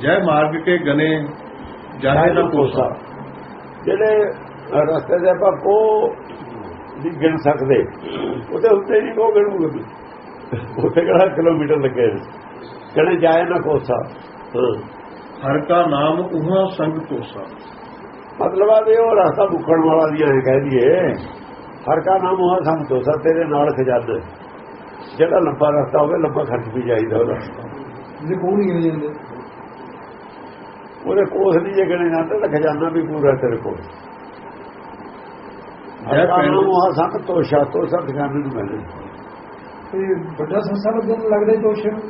ਜੈ ਮਾਰਗ ਕੇ ਗਨੇ ਜਾਹੇ ਨਾ ਕੋਸਾ। ਜਿਹੜੇ ਰਸਤੇ ਦੇ ਆਪਾਂ ਕੋ ਨਹੀਂ ਗਿਣ ਸਕਦੇ, ਉਹਦੇ ਉੱਤੇ ਨਹੀਂ ਕੋ ਗਿਣੂਗੇ ਵੀ, ਉੱਥੇ ਕਿਹੜਾ ਕਿਲੋਮੀਟਰ ਲੱਗੇ ਕਹਿੰਦੇ ਜਾਏ ਨਾ ਕੋਸਾ। ਹਰ ਕਾ ਨਾਮ ਉਹਾਂ ਸੰਗ ਕੋਸਾ। ਮਤਲਬ ਆ ਵੀ ਉਹ ਰਸਤਾ ਮੁੱਕਣ ਵਾਲਾ ਦੀਆਂ ਐ ਕਹਿ ਦਈਏ, ਹਰ ਕਾ ਨਾਮ ਉਹਾਂ ਸੰਗ ਕੋਸਾ, ਤੇਰੇ ਨਾਲ ਖਜ਼ਾਨਾ। ਜਿਹੜਾ ਲੰਬਾ ਰਸਤਾ ਹੋਵੇ ਲੰਬਾ ਖਰਚ ਵੀ ਚਾਹੀਦਾ ਉਹਦਾ, ਉਹਦੇ ਕੋਸ ਨਹੀਂ ਜੇ ਗਿਣੇ ਜਾਂਦੇ ਤਾਂ ਖਜ਼ਾਨਾ ਵੀ ਪੂਰਾ ਤੇਰੇ ਕੋਲ। ਸੰਤ ਤੋਸ਼ਾ, ਤੋਸ਼ਾ ਖਜ਼ਾਨੇ ਨੂੰ ਮਿਲਦੇ। ਵੱਡਾ ਸੱਸਾ ਲੱਗਣ ਲੱਗਦਾ ਤੋਸ਼ੇ ਨੂੰ,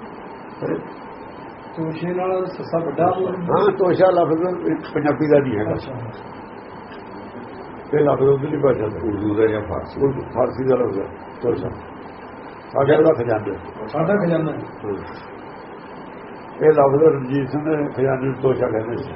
ਤੋਸ਼ੇ ਨਾਲ ਸੱਸਾ ਵੱਡਾ। ਹਾਂ, ਤੋਸ਼ਾ ਲਫ਼ਜ਼ ਪੰਜਾਬੀ ਦਾ ਨਹੀਂ ਹੈਗਾ, ਇਹ ਲਫ਼ਜ਼ ਉਧਰਲੀ ਭਾਸ਼ਾ ਦਾ, ਉਰਦੂ ਦਾ ਜਾਂ ਫਾਰਸੀ ਦਾ ਲਫ਼ਜ਼ ਹੈ ਤੋਸ਼ਾ। ਸਾਡਾ ਦਾ ਖਜ਼ਾਨਾ, ਸਾਡਾ ਖਜ਼ਾਨਾ ਇਹ ਲਫ਼ਜ਼ ਰਣਜੀਤ ਸਿੰਘ ਨੇ ਖਜ਼ਾਨੇ ਨੂੰ ਤੋਸ਼ਾ ਕਹਿੰਦੇ ਸੀ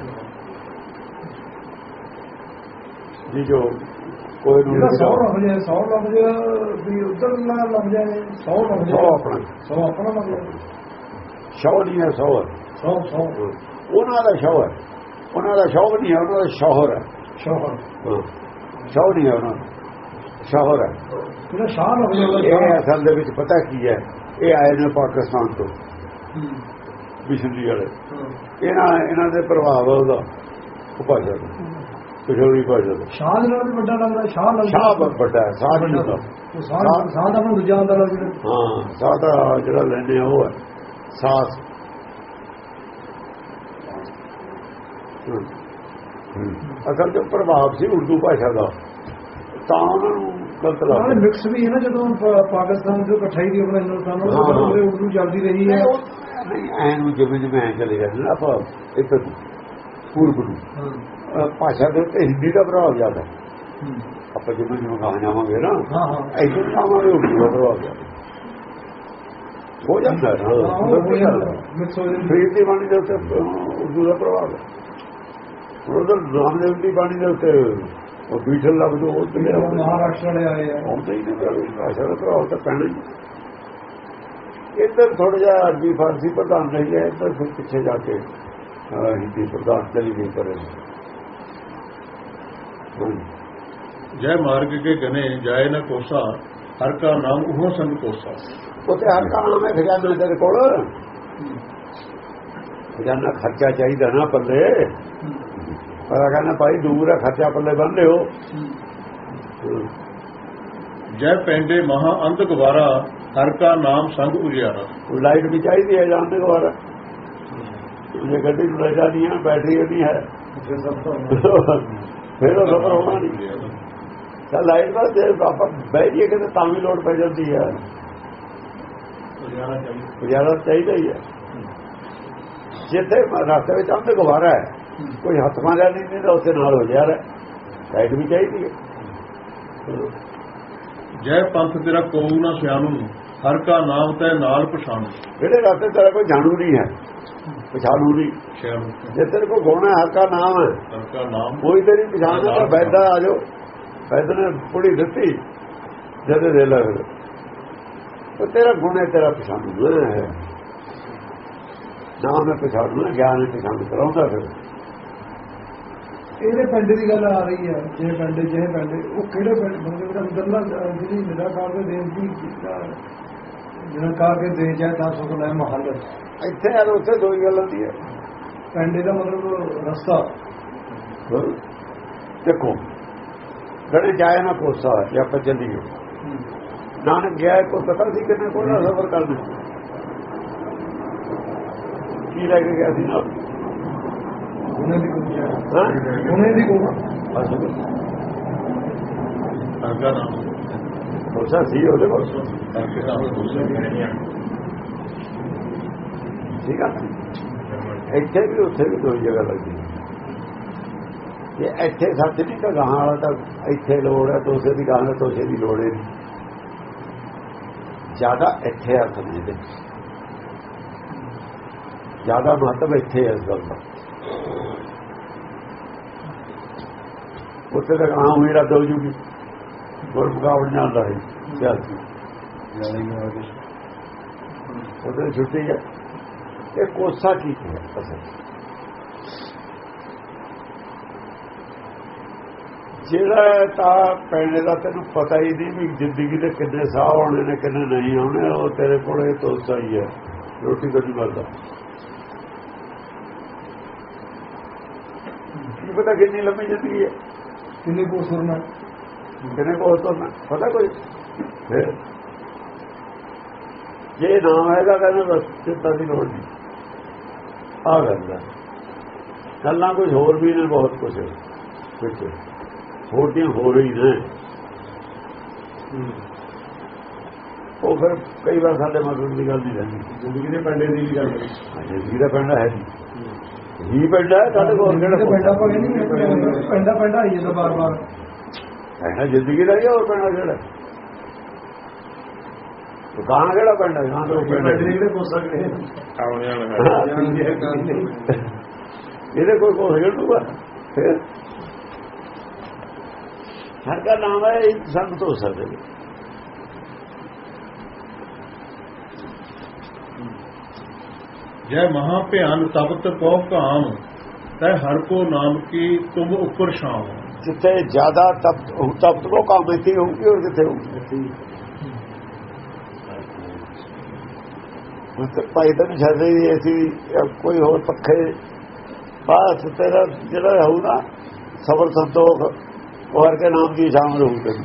ਜੀ। ਜੋ ਕੋਈ ਨੂੰ 100 ਲਫ਼ਜ਼ ਵੀ ਉੱਧਰ ਲੱਗ ਜਾਏ, 100 ਲਫ਼ਜ਼ ਆਪਣਾ, 100 ਆਪਣਾ ਲੱਗ ਜਾਏ। ਸ਼ੌ ਨਹੀਂ ਹੈ, 100 ਹੈ। 100 ਉਹਨਾਂ ਦਾ ਸ਼ੌ ਹੈ, ਉਹਨਾਂ ਦਾ ਸ਼ੌਕ ਨਹੀਂ ਹੈ, ਉਹਨਾਂ ਦਾ ਸ਼ੌਹਰ ਹੈ। ਸ਼ੌਹਰ, ਸ਼ੌ ਨਹੀਂ ਹੈ ਉਹਨਾਂ ਦਾ, ਸ਼ੌਹਰ ਹੈ। ਇਹ ਅਸਲ ਦੇ ਵਿੱਚ ਪਤਾ ਕੀ ਹੈ, ਇਹ ਆਏ ਨੇ ਪਾਕਿਸਤਾਨ ਤੋਂ ਮਿਸ਼ਨਰੀ ਵਾਲੇ, ਇਹਨਾਂ ਦੇ ਪ੍ਰਭਾਵ ਉਹਦਾ ਉਹ ਭਾਸ਼ਾ ਦਾ, ਪਿਛੋੜੀ ਭਾਸ਼ਾ ਦਾ। ਸ਼ਾਹ ਦੇ ਨਾਲ ਵੀ ਵੱਡਾ ਲੱਗਦਾ, ਸ਼ਾਹ ਵੱਡਾ ਹੈ, ਸਾਹ ਨਹੀਂ ਹੁੰਦਾ। ਸਾਹ ਦਾ ਦੂਜਾ ਆਉਂਦਾ ਲੱਗਦਾ। ਹਾਂ, ਸਾਹ ਦਾ ਜਿਹੜਾ ਲੈਂਦੇ ਆ ਉਹ ਹੈ ਸਾਸ। ਅਸਲ ਚ ਪ੍ਰਭਾਵ ਸੀ ਉਰਦੂ ਭਾਸ਼ਾ ਦਾ, ਤਾਂ ਉਹਨਾਂ ਨੂੰ ਗਲਤ ਲੱਗਦਾ। ਮਿਕਸ ਵੀ ਹੈ ਨਾ, ਜਦੋਂ ਪਾਕਿਸਤਾਨ ਤੋਂ ਇਕੱਠਾਈ ਦੀ ਆਪਣਾ ਹਿੰਦੁਸਤਾਨ ਉਰਦੂ ਚੱਲਦੀ ਰਹੀ ਹੈ। ਐਨ ਜਿਵੇਂ ਜਿਵੇਂ ਐ ਚਲੇ ਜਾਂਦੇ ਨਾ ਆਪਾਂ ਇੱਧਰ ਪੂਰਬ ਨੂੰ, ਭਾਸ਼ਾ ਦੇ ਉੱਤੇ ਹਿੰਦੀ ਦਾ ਪ੍ਰਭਾਵ ਜ਼ਿਆਦਾ। ਆਪਾਂ ਜਿਵੇਂ ਜਿਵੇਂ ਗਾਹ ਜਾਵਾਂਗੇ ਨਾ, ਇੱਧਰ ਜਾਵਾਂਗੇ ਉਰਦੂ ਦਾ ਪ੍ਰਭਾਵ ਜ਼ਿਆਦਾ ਹੋ ਜਾਂਦਾ। ਫਰੀਦ ਦੀ ਬਾਣੀ ਦੇ ਉੱਤੇ ਉਰਦੂ ਦਾ ਪ੍ਰਭਾਵ ਹੈ, ਉਧਰ ਰਾਮਦੇਵ ਦੀ ਬਾਣੀ ਦੇ ਉੱਤੇ ਉਹ ਬੀਠਲ ਲਫ਼ਜ਼ ਉਹ ਮਹਾਰਾਸ਼ਟਰ ਵਾਲੇ ਆਏ ਆ, ਆਉਂਦੇ ਹੀ ਨਹੀਂ। ਭਾਸ਼ਾ ਦਾ ਪ੍ਰਭਾਵ ਤਾਂ ਪੈਣਾ ਹੀ। ਇੱਧਰ ਥੋੜਾ ਜਿਹਾ ਅਰਬੀ ਫਾਰਸੀ ਪ੍ਰਧਾਨ ਰਹੀ ਹੈ, ਇੱਧਰ ਫਿਰ ਪਿੱਛੇ ਜਾ ਕੇ ਹਿੰਦੀ ਪ੍ਰਧਾਨ ਚਲੀ ਗਈ ਕਰੇ। ਜੈ ਮਾਰਗ ਕੇ ਗਨੇ ਜਾਏ ਨਾ ਕੋਸਾ, ਹਰ ਕਾ ਨਾਮ ਉਹਾਂ ਸੰਗ ਕੋਸਾ। ਉੱਥੇ ਹਰ ਕਾ ਨਾਮ ਹੈ ਖਜ਼ਾਨਾ ਤੇਰੇ ਕੋਲ, ਖਜ਼ਾਨਾ ਖਰਚਾ ਚਾਹੀਦਾ ਨਾ ਪੱਲੇ। ਪਰ ਕਹਿੰਦਾ ਭਾਈ ਦੂਰ ਹੈ, ਖਰਚਾ ਪੱਲੇ ਬੰਨ ਲਿਓ। ਜੈ ਪੈਂਡੇ ਮਹਾ ਅੰਤ ਗਵਾਰਾ, ਹਰ ਕਾ ਨਾਮ ਸੰਗ ਉਜਿਆਰਾ। ਲਾਈਟ ਵੀ ਚਾਹੀਦੀ ਹੈ ਜਾਣ ਦੇ ਗਵਾਰਾ, ਜੇ ਗੱਡੀ ਨੂੰ ਲੈ ਜਾਣੀ ਹੈ ਬੈਟਰੀ ਨਹੀਂ ਹੈ ਫਿਰ ਉਹ ਸਫਰ ਹੋਣਾ ਨਹੀਂ। ਤਾਂ ਲਾਈਟ ਦਾ ਜੇ ਆਪਾਂ ਬਹਿ ਜਾਈਏ ਕਿਤੇ ਤਾਂ ਵੀ ਲੋੜ ਪੈ ਜਾਂਦੀ ਹੈ, ਗੁਜ਼ਾਰਾ ਚਾਹੀਦਾ ਹੀ ਹੈ। ਜਿੱਥੇ ਰਸਤੇ ਵਿੱਚ ਅੰਧ ਗਵਾਰਾ ਹੈ, ਕੋਈ ਹੱਥ ਮਾਰਿਆ ਨਹੀਂ ਤਾਂ ਉੱਥੇ ਨਾਲ ਹੋ ਜਾ ਰਿਹਾ, ਲਾਈਟ ਵੀ ਚਾਹੀਦੀ ਹੈ। ਜੈ ਪੰਥ ਤੇਰਾ ਕੋਊ ਨਾ ਸਿਆਣੂ, ਹਰ ਕਾ ਨਾਮ ਤੈ ਨਾਲ ਪਛਾਣੂ। ਜਿਹੜੇ ਰਸਤੇ ਤੇਰਾ ਕੋਈ ਜਾਣੂ ਨਹੀਂ ਹੈ, ਪਛਾਣੂ ਨਹੀਂ। ਜੇ ਤੇਰੇ ਕੋਲ ਗਾਉਣਾ ਹਰ ਕਾ ਨਾਮ ਹੈ, ਹਰ ਕਾ ਨਾਮ ਕੋਈ ਤੇਰੀ ਪਛਾਣ ਤਾਂ ਬੈਦਾ ਆ ਜਾਓ। ਬੈਦ ਨੇ ਪੁੜੀ ਦਿੱਤੀ ਜਦ ਦੇ ਲੱਗ ਉਹ ਤੇਰਾ ਗੁਣ ਹੈ, ਤੇਰਾ ਪਛਾਣੂ ਹੈ, ਨਾਮ ਹੈ ਪਛਾਣੂ, ਗਿਆਨ ਹੈ ਪਛਾਣ ਕਰਾਉਂਦਾ। ਫਿਰ ਇਹਦੇ ਪਿੰਡ ਦੀ ਗੱਲ ਆ ਰਹੀ ਹੈ, ਜਿਹੇ ਪਿੰਡ ਉਹ ਕਿਹੜੇ ਪਿੰਡ ਮਤਲਬ ਅੰਦਰਲਾ ਜਿਹੜੀ ਨਿਰਾਕਾਰ ਦੇ ਦੇਸ਼ ਦੀ ਨਿਰਾਕਾਰ ਕੇ ਦੇਸ਼ ਹੈ ਤਾਂ ਸੁਖ ਲੈ ਮਹੱਲ। ਇੱਥੇ ਯਾਰ ਉੱਥੇ ਦੋ ਹੀ ਗੱਲ ਹੁੰਦੀ ਹੈ। ਪਿੰਡ ਦਾ ਮਤਲਬ ਰਸਤਾ ਦੇਖੋ, ਗੜੇ ਜਾਏ ਨਾ ਕੋਸਾ ਜੇ ਆਪਾਂ ਚੱਲੀਏ। ਨਾਨਕ ਗਿਆ ਕੋਈ ਪਤਾ ਸੀ ਕਿੰਨੇ ਕੋਲ ਸਫ਼ਰ ਕਰਨਾ, ਕੀ ਲੈ ਕੇ ਗਿਆ ਸੀ ਨਾਲ ਉਹਨੇ ਦੀ ਕੋਸਾ ਸੀ ਉਹਦੇ ਕੋਲ। ਠੀਕ ਆ, ਇੱਥੇ ਵੀ ਉੱਥੇ ਵੀ ਦੋ ਜਗ੍ਹਾ ਲੱਗਦੀ। ਜੇ ਇੱਥੇ ਸੱਚ ਨਹੀਂ ਤਾਂ ਗਾਹਾਂ ਵਾਲਾ ਤਾਂ ਇੱਥੇ ਲੋੜ ਹੈ, ਤੋਸੇ ਦੀ ਗਾਹਾਂ ਤੋਸੇ ਦੀ ਲੋੜ ਹੈ। ਜ਼ਿਆਦਾ ਇੱਥੇ ਅਰਥ ਨਹੀਂ ਦੇ, ਜ਼ਿਆਦਾ ਮਹੱਤਵ ਇੱਥੇ ਹੈ ਇਸ ਗੱਲ ਦਾ। ਉੱਥੇ ਤਾਂ ਗਾਹਾਂ ਹੋਈ ਰੱਦ ਹੋ ਜੂਗੀ, ਕੋਈ ਮੁਕਾਬਲਾ ਨਹੀਂ ਆਉਂਦਾ ਹੈ ਸਿਆਸੀ, ਉਹਦੇ ਛੁੱਟੀ ਹੈ। ਇਹ ਕੋਸਾ ਕੀ ਹੈ ਅਸਲ ਜਿਹੜਾ ਤਾਂ ਪੈਣੇ ਦਾ ਤੈਨੂੰ ਪਤਾ ਹੀ ਨਹੀਂ ਵੀ ਜ਼ਿੰਦਗੀ ਦੇ ਕਿੰਨੇ ਸਾਹ ਆਉਣੇ ਨੇ ਕਿੰਨੇ ਨਹੀਂ ਆਉਣੇ, ਉਹ ਤੇਰੇ ਕੋਲ ਇਹ ਤੋਸਾ ਹੀ ਹੈ, ਰੋਟੀ ਤੋਂ ਨਹੀਂ ਮਿਲਦਾ। ਕੀ ਪਤਾ ਕਿੰਨੀ ਲੰਮੀ ਜ਼ਿੰਦਗੀ ਹੈ, ਕਿੰਨੇ ਕੋ ਸੁਰਨਾ, ਕਿੰਨੇ ਕੋਲ ਤੁਰਨਾ, ਪਤਾ ਕੋਈ? ਫਿਰ ਜੇ ਨਾਮ ਹੈਗਾ ਕਹਿੰਦੇ ਬਸ ਚਿੰਤਾ ਦੀ ਲੋੜ ਨਹੀਂ। ਆ ਗੱਲਾਂ ਕੁਝ ਹੋਰ ਵੀ ਨੇ, ਬਹੁਤ ਕੁਝ ਵਿੱਚ ਹੋਰ ਦੀਆਂ ਹੋ ਰਹੀ ਨੇ। ਉਹ ਫਿਰ ਕਈ ਵਾਰ ਸਾਡੇ ਮਤਲਬ ਦੀ ਗੱਲ ਨਹੀਂ ਰਹਿੰਦੀ, ਜ਼ਿੰਦਗੀ ਦੇ ਪੈਂਡੇ ਦੀ ਵੀ ਗੱਲ ਕਰੀ। ਜ਼ਿੰਦਗੀ ਦਾ ਪੈਂਡਾ ਹੈ ਜੀ ਪੈਂਡਾ ਹੈ ਸਾਡੇ ਕੋਲ, ਪੈਂਡਾ ਭਾਵੇਂ ਨਹੀਂ ਪੈਂਡਾ ਆਈ ਜਾਂਦਾ ਬਾਰ ਬਾਰ ਪੈਂਡਾ ਜ਼ਿੰਦਗੀ ਦਾ ਹੀ, ਹੋਰ ਪੈਂਡਾ ਕਿਹੜਾ ਗਾਣਾ, ਕਿਹੜਾ ਪੈਂਡਾ ਗਾਣਾ ਜਿਹੜੇ ਪੁੱਛ ਸਕਦੇ ਇਹਦੇ ਕੋਈ ਕੋਲ ਖੇਡੂਗਾ। ਫਿਰ ਹਰ ਦਾ ਨਾਮ ਹੈ, ਇਹ ਸੰਤ ਹੋ ਸਕਦੇ ਨੇ। ਜੈ ਮਹਾ ਭਿਆਨ ਤਪਤ ਕੋ ਕਾਮ ਤੈ ਹਰ ਕੋ ਨਾਮ ਕੀ ਤੁਮ ਉੱਪਰ ਸ਼ਾਮ। ਜਿੱਥੇ ਜ਼ਿਆਦਾ ਤਪਤ ਕੋ ਕਾਮ ਇੱਥੇ ਹੋਊਗੀ, ਔਰ ਕਿੱਥੇ ਹੋਊਗੀ? ਭਾਈ ਤਾਂ ਨਹੀਂ ਛੱਡਦੇ ਅਸੀਂ ਕੋਈ ਹੋਰ ਪੱਖੇ ਬਸ ਤੇਰਾ ਜਿਹੜਾ ਹੋਊ ਨਾ ਸਬਰ ਸੰਤੋਖ ਉਹ ਹਰ ਕੇ ਨਾਮ ਦੀ ਸ਼ਾਮ ਰਹੂ ਤੈਨੂੰ।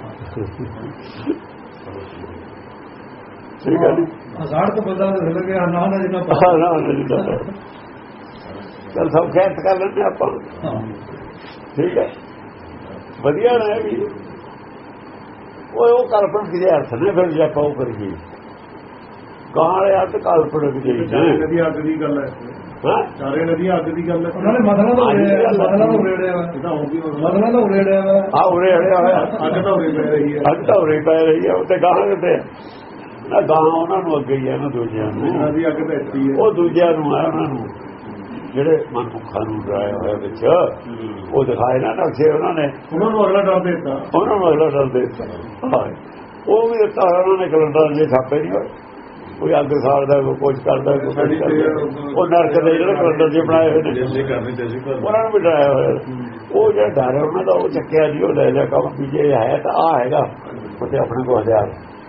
ਠੀਕ ਹੈ ਜੀ, ਹਜ਼ਾਰ ਤੋਂ ਬੰਦਾ ਲੱਗਿਆ ਨਾ ਨਾ ਜਿੰਨਾ ਚੱਲ ਸਭ ਖੈਰ ਕਰ ਲੈਂਦੇ ਆਪਾਂ। ਠੀਕ ਹੈ, ਵਧੀਆ ਨਾ ਵੀ ਉਹ ਕਲਪਨਾ ਕਿਹਦੇ ਅਰਥ ਨੇ, ਫਿਰ ਜੇ ਆਪਾਂ ਉਹ ਕਰੀਏ ਗਾਲੇ ਅਰਥ ਕਲਪਨਾ ਚਾਰੇ ਨਦੀ ਅੱਗ ਦੀ ਗੱਲ ਹੈ, ਚਾਰੇ ਨਦੀ ਅੱਗ ਦੀ ਗੱਲ ਹੈ। ਉਹਨਾਂ ਨੇ ਮਸਲਾ ਤਾਂ ਉਰੇੜਿਆ ਹਾਂ ਉਰੇ ਹੜਿਆ ਹੋਇਆ, ਅੱਗ ਤਾਂ ਉਰੇ ਪੈ ਰਹੀ ਹੈ, ਅੱਗ ਤਾਂ ਉਰੇ ਪੈ ਰਹੀ ਹੈ। ਉੱਥੇ ਗਾਹਾਂ ਕਿਤੇ ਨਾ, ਗਾਂ ਉਹਨਾਂ ਨੂੰ ਅੱਗੇ ਹੀ ਹੈ ਨਾ, ਦੂਜਿਆਂ ਨੂੰ ਨਦੀ ਅੱਗ ਤਾਂ ਇੱਥੇ ਹੀ ਹੈ। ਉਹ ਦੂਜਿਆਂ ਨੂੰ ਹੈ, ਉਹਨਾਂ ਨੂੰ ਜਿਹੜੇ ਮਨੁੱਖਾਂ ਨੂੰ ਡਰਾਇਆ ਹੋਇਆ ਵਿੱਚ ਉਹ ਦਿਖਾਏ ਨਾ ਨਕਸ਼ੇ, ਉਹਨਾਂ ਨੇ ਉਹਨਾਂ ਨੂੰ ਅਗਲਾ ਡਰ ਦੇ ਦਿੱਤਾ, ਉਹਨਾਂ ਨੂੰ ਅਗਲਾ ਡਰ ਦੇ ਦਿੱਤਾ। ਉਹ ਵੀ ਦਿੱਤਾ ਉਹਨਾਂ ਨੇ, ਕੈਲੰਡਰ ਜੇ ਛਾਪੇ ਨਹੀਂ ਹੋਏ, ਕੋਈ ਅੱਗ ਸਾੜਦਾ, ਕੋਈ ਕੁਝ ਕਰਦਾ, ਉਹ ਨਰਕ ਦੇ ਜਿਹੜੇ ਕੈਲੰਡਰ ਜੇ ਬਣਾਏ ਹੋਏ ਨੇ ਉਹਨਾਂ ਨੂੰ ਵੀ ਡਰਾਇਆ ਹੋਇਆ। ਉਹ ਜਿਹੜਾ ਡਰ ਹੈ ਉਹਨਾਂ ਦਾ ਉਹ ਚੱਕਿਆ ਨਹੀਂ, ਉਹ ਲੈ ਲਿਆ ਕੰਮ ਵੀ ਜੇ ਹੈ ਤਾਂ ਆਹ ਹੈਗਾ ਉੱਥੇ ਆਪਣੇ ਕੋਲ ਹਥਿਆਰ।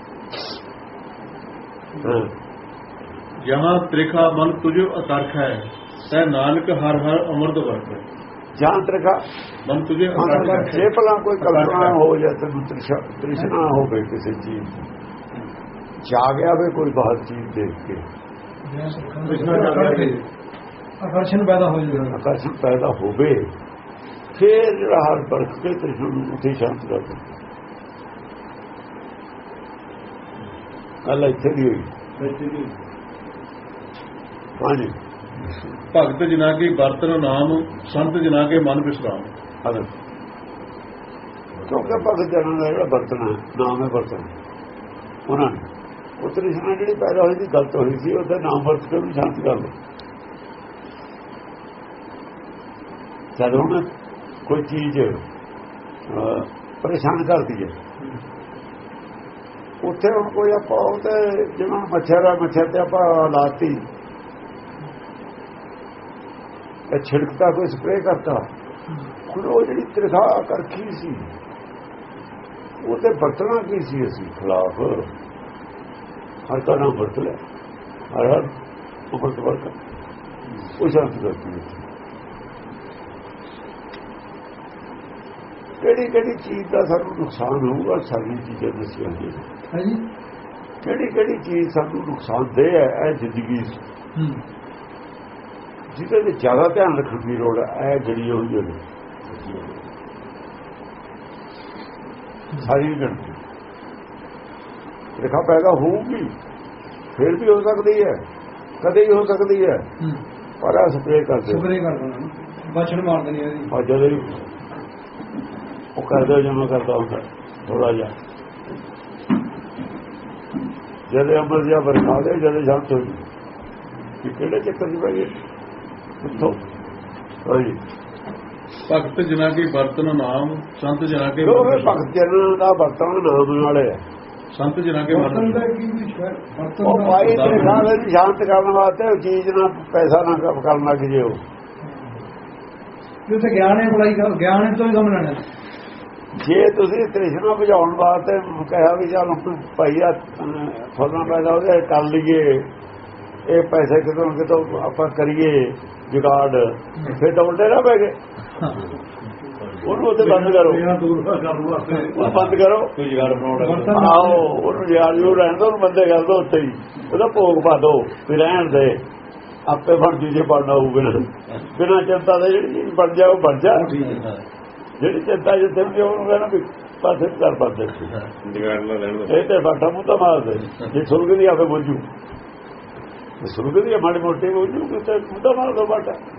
ਜਹਾਂ ਤ੍ਰਿਖਾ ਮਨ ਤੁਝੋ ਅਤਰਖ ਹੈ ਤੈ ਨਾਨਕ ਹਰ ਹਰ ਅਮਰਤ ਵਰਤ। ਜਹਾਂ ਤ੍ਰਿਖਾ ਮਨ ਤੁਝੇ ਜੇ ਭਲਾ ਕੋਈ ਕਲਪਨਾ ਹੋ ਜਾਏ ਤੈਨੂੰ ਤ੍ਰਿਸ਼ਨਾ ਹੋਵੇ ਕਿਸੇ ਚੀਜ਼ ਜਾਗਿਆ ਵੇ, ਕੋਈ ਬਾਹਰ ਚੀਜ਼ ਦੇਖ ਕੇ ਆਕਰਸ਼ਣ ਪੈਦਾ ਹੋ ਜਾਂਦਾ, ਆਕਰਸ਼ਣ ਪੈਦਾ ਹੋਵੇ, ਫਿਰ ਜਿਹੜਾ ਹਰ ਪਰਖ ਕੇ ਤ੍ਰਿਸ਼ਨਾ ਨੂੰ ਉੱਥੇ ਸ਼ਾਂਤ ਕਰ ਦੇ। ਗੱਲ ਇੱਥੇ ਦੀ ਹੋਈ। ਹਾਂਜੀ, ਭਗਤ ਜਿਨਾ ਕੀ ਬਰਤਨ ਨਾਮ ਸੰਤ ਜਿਨਾ ਕੇ ਮਨ ਵਿਸਰਾਮ। ਕਿਉਂਕਿ ਭਗਤ ਜਨਾਂ ਦਾ ਜਿਹੜਾ ਬਰਤਨ ਹੈ, ਨਾਮ ਹੈ ਬਰਤਨ, ਉਹਨਾਂ ਨੇ ਉਹ ਤ੍ਰਿਸ਼ਨਾ ਜਿਹੜੀ ਪੈਦਾ ਹੋਈ ਸੀ, ਗਲਤ ਹੋਈ ਸੀ, ਉਹਦਾ ਨਾਮ ਵਰਤ ਕੇ ਵੀ ਸ਼ਾਂਤ ਕਰ ਲਓ। ਜਦੋਂ ਹੁਣ ਕੋਈ ਚੀਜ਼ ਪਰੇਸ਼ਾਨ ਕਰਦੀ ਹੈ, ਉੱਥੇ ਹੁਣ ਕੋਈ ਆਪਾਂ ਉਹਤੇ ਜਿਵੇਂ ਮੱਛਰ ਤੇ ਆਪਾਂ ਲਾਤੀ, ਛਿੜਕਦਾ, ਕੋਈ ਸਪਰੇਅ ਕਰਤਾ, ਹੁਣ ਉਹ ਜਿਹੜੀ ਤ੍ਰਿਖਾ ਕਰਖੀ ਸੀ ਉਹ ਤੇ ਵਰਤਣਾ ਕੀ ਸੀ, ਅਸੀਂ ਖਿਲਾਫ ਹਰ ਦਾ ਨਾਮ ਵਰਤ ਲਿਆ, ਹਰ ਹਰ ਉਪਰਤ ਵਰਤ ਉਹ ਸ਼ਾਂਤ ਕਰਦੀ ਹੈ। ਕਿਹੜੀ ਚੀਜ਼ ਦਾ ਸਾਨੂੰ ਨੁਕਸਾਨ ਹੋਊਗਾ, ਸਾਰੀ ਚੀਜ਼ਾਂ ਦੱਸੀਆਂ ਜੀ, ਕਿਹੜੀ ਚੀਜ਼ ਸਾਨੂੰ ਨੁਕਸਾਨਦੇਹ ਹੈ ਇਹ ਜ਼ਿੰਦਗੀ ਜਿਹਦੇ ਤੇ ਜ਼ਿਆਦਾ ਧਿਆਨ ਰੱਖਣ ਦੀ ਲੋੜ ਹੈ। ਇਹ ਜਿਹੜੀ ਹੋਈ ਹੈ ਸਾਰੀ ਗਣਤੀ ਰੇਖਾ ਪੈਦਾ ਹੋਊਗੀ, ਫਿਰ ਵੀ ਹੋ ਸਕਦੀ ਹੈ, ਕਦੇ ਹੀ ਹੋ ਸਕਦੀ ਹੈ, ਪਰ ਆ ਸਪਰੇਅ ਕਰਦੇ ਬਚਣ ਮਾਰ ਦੇਣੀ ਇਹਦੀ। ਔਰ ਜਦੋਂ ਉਹ ਕਰਦੇ ਜਮਾ ਕਰਦਾ ਹੁੰਦਾ ਥੋੜਾ ਜਿਹਾ, ਜਦੋਂ ਅਮਰ ਜਿਹਾ ਵਰਖਾ ਦੇ, ਜਦੋਂ ਸ਼ਾਂਤ ਹੋ ਗਈ, ਕਿਹੜੇ ਚੱਕਰ ਚ ਪੈ ਗਏ ਉੱਥੋਂ। ਭਗਤ ਜਿਨਾ ਕੀ ਬਰਤਨ ਨਾਮ ਸੰਤ ਜਿਨਾ ਕੇ ਭਗਤ ਜਨਾਂ ਦਾ ਬਰਤਨ ਨਾਮ ਨਾਲੇ ਹੈ, ਸੰਤ ਜਿਨਾ ਕੇ ਬਰਤਨ ਦਾ ਕੀ ਉਹ ਭਾਈ ਤੇਰੇ ਨਾਲ ਸ਼ਾਂਤ ਕਰਨ ਵਾਸਤੇ ਉਹ ਚੀਜ਼ ਨਾਲ ਪੈਸਾ ਨਾ ਕਰਨ ਲੱਗ ਜੇ, ਉਹ ਜੋ ਤੇ ਗਿਆਨ ਹੈ ਪੜਾਈ ਕਰ ਗਿਆਨ ਤੋਂ ਹੀ ਕੰਮ ਲੈਣਾ ਜੇ ਤੁਸੀਂ ਤ੍ਰਿਸ਼ਨਾ ਬੁਝਾਉਣ ਵਾਸਤੇ ਕਿਹਾ ਵੀ ਚੱਲ ਭਾਈ ਆ ਫਸਲਾਂ ਪੈਦਾ ਉਹਦੇ ਕਰ ਲਈਏ ਇਹ ਪੈਸੇ ਕਿਤੋਂ ਆਪਾਂ ਕਰੀਏ ਜੁਗਾੜ ਫਿਰ ਤਾਂ ਉਲਟੇ ਨਾ ਪੈ ਗਏ ਉਹਨੂੰ ਉੱਥੇ ਬੰਦ ਕਰੋ ਉਹ ਬੰਦ ਕਰੋ ਆਓ ਉਹਨੂੰ ਯਾਰ ਜੋ ਰਹਿਣ ਦੋ ਉਹਨੂੰ ਬੰਦੇ ਕਰ ਦੋ ਉੱਥੇ ਹੀ ਉਹਦਾ ਭੋਗ ਪਾ ਦੋ ਵੀ ਰਹਿਣ ਦੇ ਆਪੇ ਬਣ ਜੂ ਜੇ ਬਣਨਾ ਹੋਊਗਾ ਬਿਨਾਂ ਚਿੰਤਾ ਦੇ ਜਿਹੜੀ ਚੀਜ਼ ਬਣ ਜਾ ਉਹ ਬਣ ਜਾ ਜਿਹੜੀ ਚਿੰਤਾ ਜਿੱਥੇ ਵੀ ਉਹਨੂੰ ਕਹਿਣਾ ਵੀ ਪਾਸੇ ਕਰ ਪਾਸੇ ਇਹ ਤੇ ਬਾਟਾ ਮੂੰਹ ਤਾਂ ਮਾਰਦੇ ਜੇ ਸੁਰਗ ਦੀ ਆਪੇ ਬੋਝੂ ਸੁਰਗ ਦੀ ਮਾੜੀ ਮੋਟੀ ਬੋਝੂ ਕਿਤੇ ਮੂੰਹ ਤਾਂ ਮਾਰ ਦੋ ਬਾਟਾ